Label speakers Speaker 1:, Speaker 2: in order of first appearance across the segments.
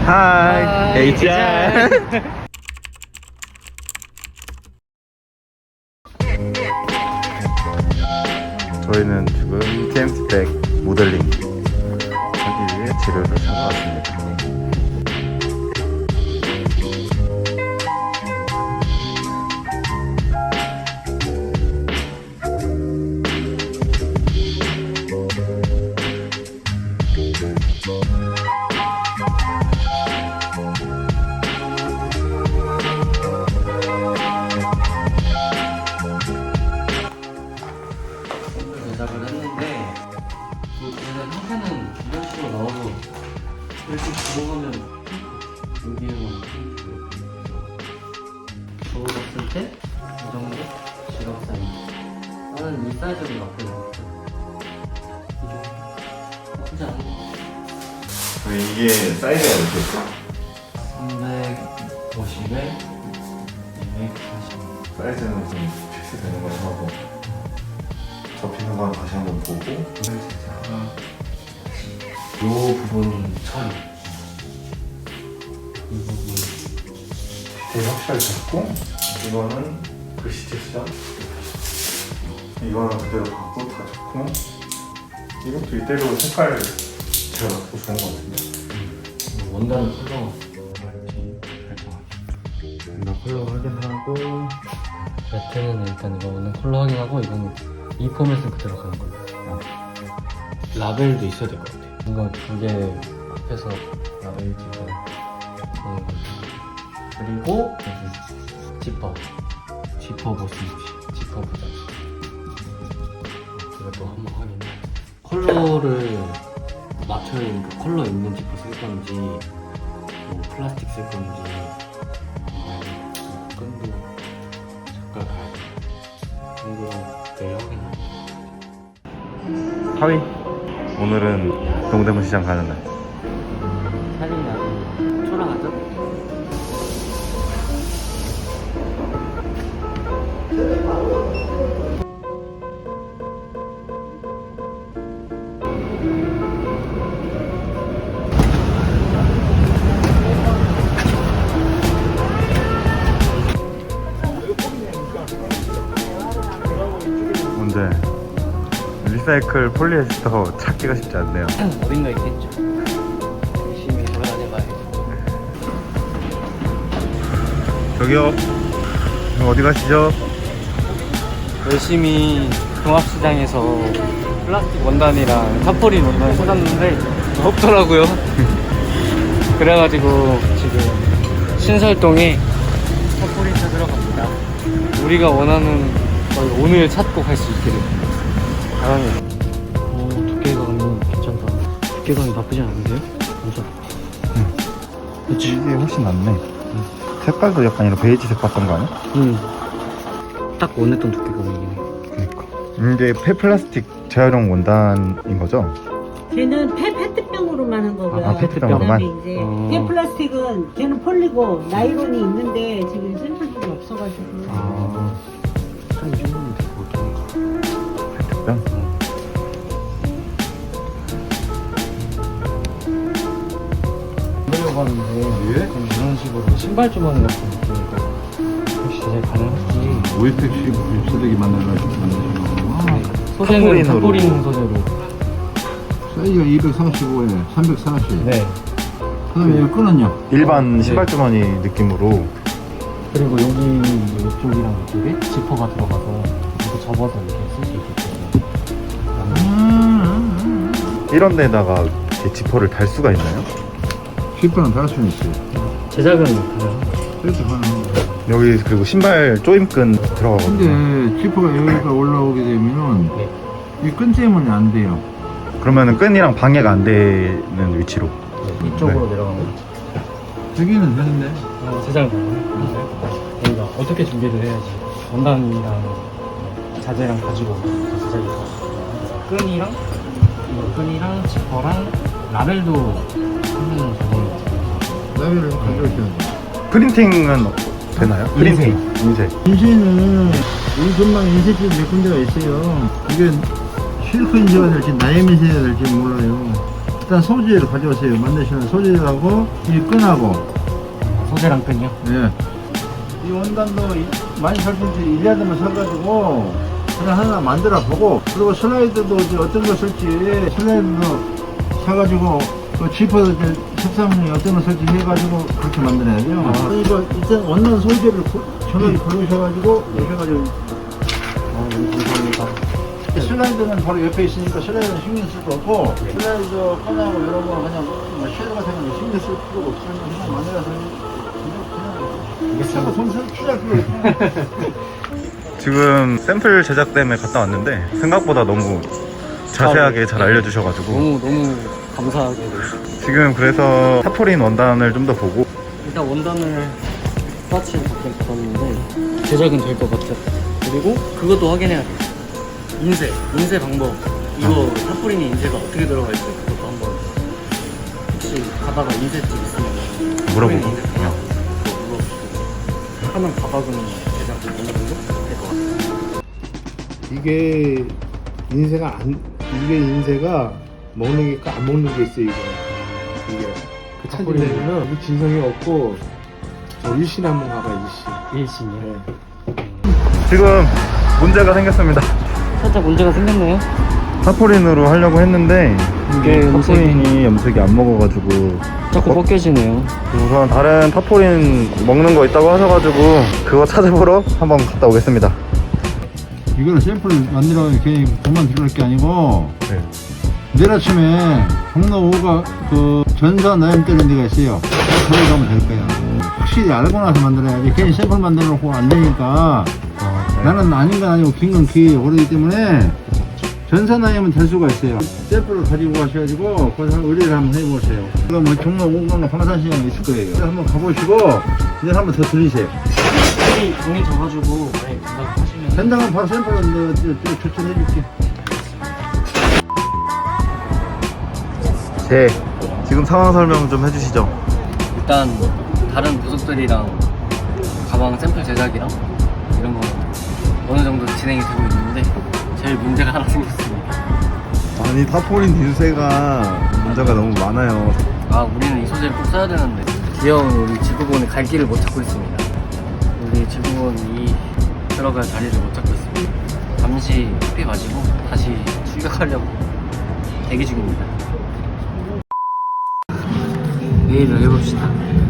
Speaker 1: 하이, HR. 저희는 지금 제임스백 모델링 하기 위해 재료를 사러 왔습니다.
Speaker 2: 제작을 했는데 얘는 형태는 이런 식으로 나와서 이렇게 들어가면 여기에만 저거 봤을 때 이 정도? 지갑 사이즈 나는 이 사이즈로 나쁘지 않았어. 이 정도 나쁘지 않은 것 같아.
Speaker 1: 이게 사이즈가 이렇게 있어?
Speaker 2: 350에 240.
Speaker 1: 사이즈는 좀 필수되는 걸 하고 접히는 건 다시 한번 보고
Speaker 2: 이 부분 처리 이 부분
Speaker 1: 디테일 확실하게 잡고 이거는 글씨체 수정 이거는 그대로 갖고 다 좋고 이것도 이대로 색깔 제가 갖고 좋은 것 같은데
Speaker 2: 원단을 컬러 할지 결정하기.
Speaker 1: 나 컬러 확인하고
Speaker 2: 매트는 일단 이거는 컬러 확인하고 이거는 이 포맷은 그대로 가는 걸로. 라벨도 있어야 될 것 같아. 이거 두 개 앞에서 라벨 찍어 그런 거. 그리고 여기 지퍼 보시지. 지퍼 보자. 이것도 한번 확인해. 컬러를 맞춰야 되니까 컬러 있는 지퍼 쓸 건지 뭐 플라스틱 쓸 건지 끈도 색깔 가야 돼. 이거 내일 확인해.
Speaker 1: 하위 오늘은 동대문 시장 가는 날
Speaker 2: 사진이랑 초랑하죠?
Speaker 1: 근데 리사이클 폴리에스터 찾기가 쉽지 않네요.
Speaker 2: 어딘가 있겠죠. 열심히 돌아다녀봐야겠죠.
Speaker 1: 저기요 어디 가시죠?
Speaker 2: 열심히 종합시장에서 플라스틱 원단이랑 타포린 원단을 찾았는데 없더라고요. 그래가지고 지금 신설동에 타포린 찾으러 갑니다. 우리가 원하는 걸 오늘 찾고 갈 수 있기를 바랍니다. 두께감이 괜찮다. 두께감이 나쁘지 않은데요? 맞아.
Speaker 1: 그치 이게 훨씬 낫네. 색깔도 약간 이런 베이지색 봤던 거 아니야?
Speaker 2: 딱 원했던 두께감이긴 해.
Speaker 1: 그러니까 이게 폐플라스틱 재활용 원단인 거죠?
Speaker 3: 걔는 페트병으로만 한 거고요.
Speaker 1: 아, 페트병으로만?
Speaker 3: 그다음에 이제 폐플라스틱은 걔는 폴리고 나이론이 있는데 지금 샘플들이 없어가지고.
Speaker 1: 아
Speaker 2: 한 2주면 될것 같은가.
Speaker 1: 페트병?
Speaker 2: 만들려고 하는데 이런 식으로 신발 주머니 같은 느낌이니까 혹시 제작 가능할지.
Speaker 4: OFC 소득이 만나가지고 만드시는
Speaker 2: 소재는
Speaker 1: 타포린으로.
Speaker 2: 타포린 소재로.
Speaker 4: 사이즈가 235에 340.
Speaker 2: 네.
Speaker 4: 그다음에 이거 끈은요?
Speaker 1: 일반
Speaker 2: 네.
Speaker 1: 신발 주머니 느낌으로.
Speaker 2: 그리고 여기 이쪽이랑 이쪽에 지퍼가 들어가서 이거 접어서 이렇게 쓸 수 있게끔.
Speaker 1: 이런 데다가 이렇게 지퍼를 달 수가 있나요?
Speaker 4: 실패는 달 수는 있어요.
Speaker 2: 제작은 가능합니다.
Speaker 4: 그래서 하는 거예요.
Speaker 1: 여기 그리고 신발 조임끈 들어가거든요.
Speaker 4: 근데 지퍼가 여기가 올라오게 되면은
Speaker 2: 네.
Speaker 4: 이 끈 때문에 안 돼요.
Speaker 1: 그러면은 끈이랑 방해가 안 되는 위치로.
Speaker 2: 이쪽으로 내려가면
Speaker 4: 여기는 되는데.
Speaker 2: 제작은 가능합니다. 저희가 어떻게 준비를 해야지 원단이랑 자재랑 가지고 제작이 가요. 끈이랑 이거 끈이랑 지퍼랑 라벨도 하면 되는
Speaker 4: 라벨을 가져오셔야 돼요.
Speaker 1: 프린팅은 되나요?
Speaker 2: 인쇄.
Speaker 1: 인쇄.
Speaker 4: 인쇄는 우리 전망 인쇄집 몇 군데가 있어요. 이게 실크 인쇄가 될지 나염 인쇄가 될지 몰라요. 일단 소재를 가져오세요. 만드시는 소재하고 이 끈하고.
Speaker 2: 소재랑 끈이요?
Speaker 4: 예. 이 원단도 많이 살 수 있지. 1야드만 사가지고 그냥 하나 만들어 보고, 그리고 슬라이드도 이제 어떤 거 쓸지 슬라이드도 사가지고 그 지퍼도 이제 색상이 어떤 거 쓸지 해가지고 그렇게 만들어야죠. 이거 일단 원단 소재를 정확히 고르셔가지고 해가지고.
Speaker 2: 너무 감사합니다.
Speaker 4: 슬라이드는 바로 옆에 있으니까 슬라이드는 신경 쓸 거 없고, 슬라이드 꺼내고 이런 거 그냥 뭐 쉘 같은 거 신경 쓸 필요가 없으면 그냥 만들어서 그냥 손 필요할 필요 없어.
Speaker 1: 지금 샘플 제작 때문에 갔다 왔는데 생각보다 너무 자세하게 잘 알려주셔가지고
Speaker 2: 너무 감사하게 돼요.
Speaker 1: 지금 그래서 타포린 원단을 좀 더 보고
Speaker 2: 일단 원단을 스파치에 받았는데 제작은 될 것 같아요. 그리고 그것도 확인해야 돼요. 인쇄 방법. 이거 타포린이 인쇄가 어떻게 들어갈지 그것도 한번 혹시 가다가 인쇄집 있으면
Speaker 1: 물어보고.
Speaker 2: 타포린 인쇄 그냥 물어보고 하는 가방은 제작 어느 정도 될 것 같아요.
Speaker 5: 이게 인쇄가 먹는 게 있고 안 먹는 게 있어요. 이게 그 찾으려면은 이게 진성이 없고 저 일신 한번 가봐.
Speaker 2: 일신이요?
Speaker 1: 지금 문제가 생겼습니다.
Speaker 2: 살짝 문제가 생겼네요.
Speaker 1: 타포린으로 하려고 했는데
Speaker 2: 이게
Speaker 1: 타포린이 염색이 안 먹어가지고
Speaker 2: 자꾸 벗겨지네요.
Speaker 1: 우선 다른 타포린 먹는 거 있다고 하셔가지고 그거 찾아보러 한번 갔다 오겠습니다.
Speaker 4: 이거는 샘플을 만들어 괜히 돈만 들어갈 게 아니고,
Speaker 1: 네.
Speaker 4: 내일 아침에 종로 5가 그 전사 나염 때리는 데가 있어요. 거기 가면 될 거야. 확실히 알고 나서 만들어야지. 괜히 샘플 만들어 놓고 안 되니까. 나는 아닌 건 아니고 긴 건 기 오르기 때문에 전사 나염은 될 수가 있어요. 샘플을 가지고 가셔가지고 거기서 의뢰를 한번 해보세요. 그거 뭐 종로 5가나 방산시장에 있을 거예요. 한번 가보시고 이제 한번 더 들리세요.
Speaker 2: 종이 져가지고 만약에 된다고 하시면
Speaker 4: 된다면 바로 샘플을 추천해줄게.
Speaker 1: 네, 지금 상황 설명 좀 해주시죠.
Speaker 2: 일단 다른 부속들이랑 가방 샘플 제작이랑 이런 거 어느 정도 진행이 되고 있는데 제일 문제가 하나 생겼습니다.
Speaker 1: 아니 타포린 인쇄가 문제가 너무 많아요.
Speaker 2: 우리는 이 소재를 꼭 써야 되는데 귀여운 우리 지구본의 갈 길을 못 찾고 있습니다. 우리 지구본이 들어갈 자리를 못 찾고 있습니다. 잠시 커피 마시고 다시 출격하려고 대기 중입니다. 회의를 해봅시다.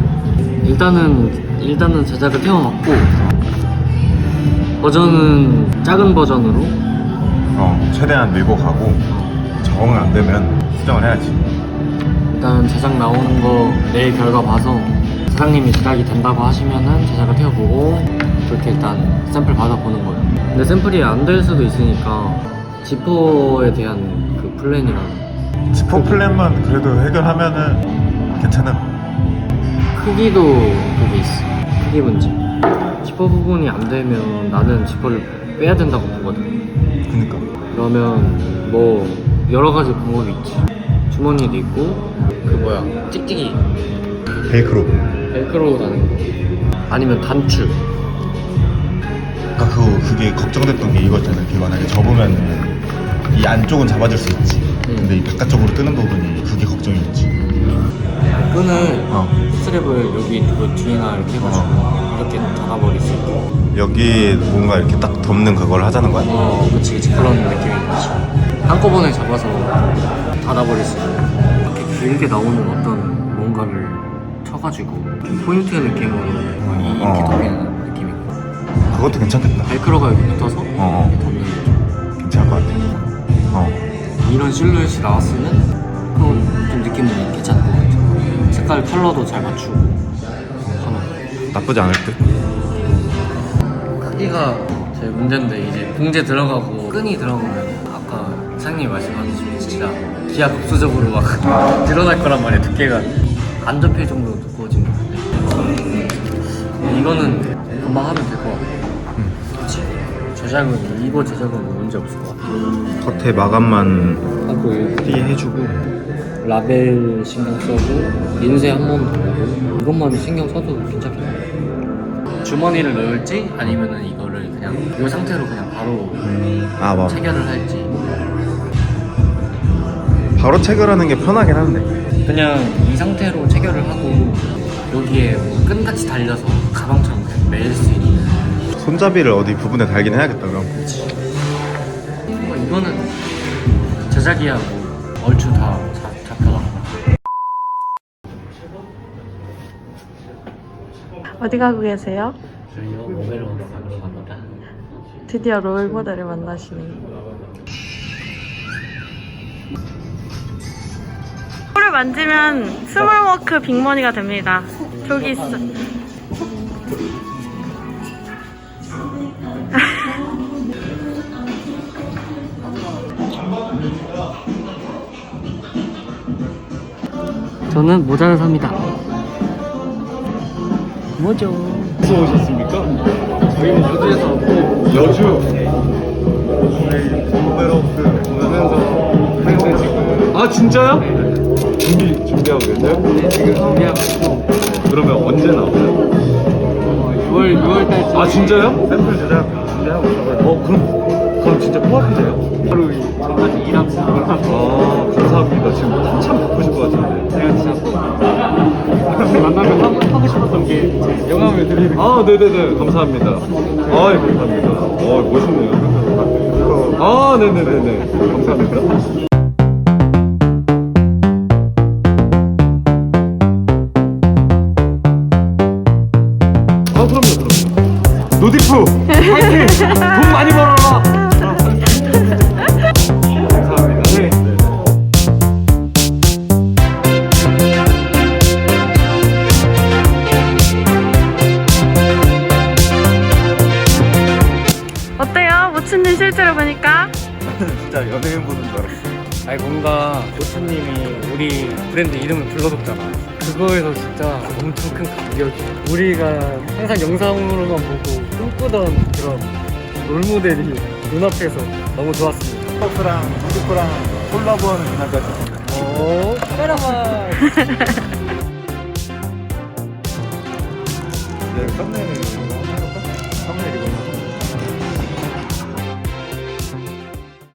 Speaker 2: 일단은 제작을 태워놨고 버전은 작은 버전으로
Speaker 1: 최대한 밀고 가고 적응이 안 되면 수정을 해야지.
Speaker 2: 일단 제작 나오는 거 내일 결과 봐서 사장님이 제작이 된다고 하시면은 제작을 태워보고 그렇게 일단 샘플 받아보는 거예요. 근데 샘플이 안 될 수도 있으니까 지퍼에 대한 그 플랜이랑
Speaker 1: 지퍼 플랜만 그래도 해결하면은 괜찮은.
Speaker 2: 크기도 그게 있어. 크기 문제. 지퍼 부분이 안 되면 나는 지퍼를 빼야 된다고 보거든.
Speaker 1: 그니까.
Speaker 2: 그러면 뭐 여러 가지 방법이 있지. 주머니도 있고 찍찍이
Speaker 1: 벨크로.
Speaker 2: 벨크로 다는 거 아니면 단추.
Speaker 1: 아까 그게 걱정됐던 게 이거잖아. 이게 만약에 접으면 이 안쪽은 잡아줄 수 있지. 근데 이 바깥쪽으로 뜨는 부분이 그게 걱정이었지.
Speaker 2: 끈을 스트랩을 여기 그 뒤나 이렇게 해가지고 이렇게 닫아버릴 수 있게.
Speaker 1: 여기 뭔가 이렇게 딱 덮는 그걸 하자는 거야?
Speaker 2: 그치 그런 느낌인 거지. 한꺼번에 잡아서 닫아버릴 수 있게. 이렇게 길게 나오는 어떤 뭔가를 쳐가지고 포인트 느낌으로 이렇게 덮이는 느낌이고.
Speaker 1: 그것도 괜찮겠다.
Speaker 2: 벨크로가 여기 붙어서 이렇게 덮는 거죠.
Speaker 1: 괜찮을 것 같아.
Speaker 2: 이런 실루엣이 나왔으면 좀 느낌은 괜찮을 것 같아요. 색깔 컬러도 잘 맞추고 하면
Speaker 1: 나쁘지 않을 듯?
Speaker 2: 크기가 제일 문제인데 이제 봉제 들어가고 끈이 들어가면 아까 사장님이 말씀하신 진짜 기하급수적으로 막 늘어날 거란 말이에요. 두께가 안 접힐 정도로 두꺼워지는 건데 이거는 금방 하면 될 것 같아요. 그치? 이거 제작은 문제 없을 것 같아요.
Speaker 1: 겉에 마감만
Speaker 2: 하고
Speaker 1: 해주고.
Speaker 2: 라벨 신경 써고 인쇄 한 번 더 하고 이것만 신경 써도 괜찮겠네요. 주머니를 넣을지 아니면은 이거를 그냥 이 상태로 그냥 바로
Speaker 1: 맞아.
Speaker 2: 체결을 할지.
Speaker 1: 바로 체결하는 게 편하긴 한데.
Speaker 2: 그냥 이 상태로 체결을 하고 여기에 뭐 끈같이 달려서 가방처럼 그냥 매일 수 있는.
Speaker 1: 손잡이를 어디 부분에 달긴 해야겠다 그럼.
Speaker 2: 뭐 이거는 제작이야 뭐 얼추 다 잡혀가.
Speaker 6: 어디 가고 계세요?
Speaker 2: 저희요 모델을 만나러 갑니다.
Speaker 6: 드디어 롤 모델을 만나시네요. 코를 만지면 스몰워크 빅머니가 됩니다. 저기 있어.
Speaker 2: 저는 모자를 삽니다. 뭐죠?
Speaker 5: 어디서 오셨습니까?
Speaker 2: 저희는 여주에서 왔고
Speaker 5: 여주.
Speaker 1: 오베로스 보면서
Speaker 5: 근데 지금 아 진짜요? 준비하고 계세요?
Speaker 2: 네, 지금 준비하고 있고
Speaker 5: 그러면 언제 나오나요?
Speaker 2: 6월 달쯤에
Speaker 5: 아 진짜요?
Speaker 1: 샘플 제작 준비하고 있어가지고.
Speaker 5: 그럼 진짜 코앞이세요?
Speaker 2: 하루 전까지 일하고
Speaker 5: 아 감사합니다. 지금 한참 바쁘실 것 같은데.
Speaker 2: 제가 진짜 꼭 만나면 하고 싶었던 게 영감을 드리는
Speaker 5: 아 네네네 감사합니다. 아 감사합니다. 멋있네요. 아 네네네네 감사합니다. 아 그럼요. 노디프 파이팅! 돈 많이 벌어라. 감사합니다. 네.
Speaker 6: 어때요? 모츠님 실제로 보니까?
Speaker 1: 진짜 연예인 보는 줄 알았어.
Speaker 2: 아니 뭔가 모츠님이 우리 브랜드 이름을 불러줬잖아. 그거에서 진짜 엄청 큰 감격이. 우리가 항상 영상으로만 보고 꿈꾸던 그런 롤모델이 눈앞에서 너무 좋았습니다.
Speaker 1: 퍼프랑 노디프랑 콜라보하는 그날까지.
Speaker 2: 오, 카메라만.
Speaker 1: 네, 썸네일 이거 한번 해볼까? 썸네일 이거